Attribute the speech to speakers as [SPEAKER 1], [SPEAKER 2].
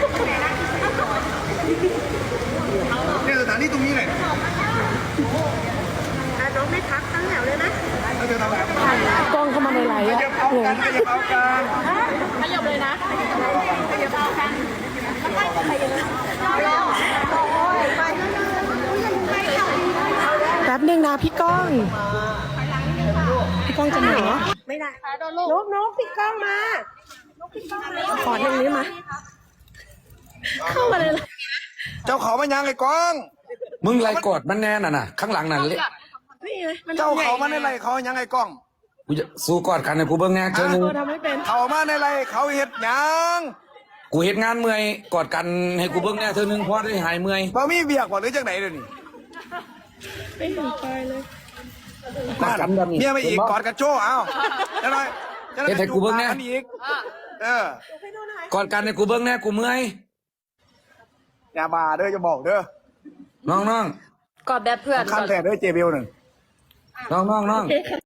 [SPEAKER 1] เนี่ยสถานที่ตรงนี้เลย
[SPEAKER 2] น้องไม่พักตั้งแถวเลยนะ
[SPEAKER 1] เราจะทำอะไร
[SPEAKER 3] กล้องเข้ามาในไลฟ์
[SPEAKER 1] ขยับเอากันขยับเอากัน
[SPEAKER 3] ขยับเลยนะขยับเอากันแป๊บนึงนะพี่ก้องจะมาเหรอ
[SPEAKER 2] ไม่ได้นกปิดกล้องมา
[SPEAKER 3] ขอทางนี้มาเข้ามาเลย
[SPEAKER 1] เจ้าเขามายังไอ้กอง
[SPEAKER 4] มึงไรกอดมันแน่น่ะข้างหลังนั่นเลย
[SPEAKER 1] เจ้าเขามาในไรเขายังไงกอง
[SPEAKER 4] กูจะสู้กอดกันให้กูเบิ่งแน่เจ้านึง
[SPEAKER 3] ทำไม่เป็น
[SPEAKER 1] เขามาในไรเขาเห็ดหยัง
[SPEAKER 4] กูเฮ็ดงานเมื่อยกอดกันให้กูเบิ่งแน่เธอนึงพอได้หายเมื่อย
[SPEAKER 1] บ่มีเบียกบ่หรือจังไหนเดี๋ยวนี้
[SPEAKER 3] ไม่เห็นไปเลย
[SPEAKER 4] กอดกันแบบนี้
[SPEAKER 1] เมียมาอีกกอดกันโชว์เอาจะหน่อยจะหน่อย
[SPEAKER 4] เฮ็ดให้กูเบิ่งแน่
[SPEAKER 1] อีก
[SPEAKER 4] กอดกันให้กูเบิ่งแน่กูเมื่อย
[SPEAKER 1] อย่ามาเด้อจะบอกเด้อ
[SPEAKER 4] น้อง
[SPEAKER 3] กอดแบบเพื่อน
[SPEAKER 1] ขั้นแท้เด้อเจเบลหนึ่ง
[SPEAKER 4] น้อง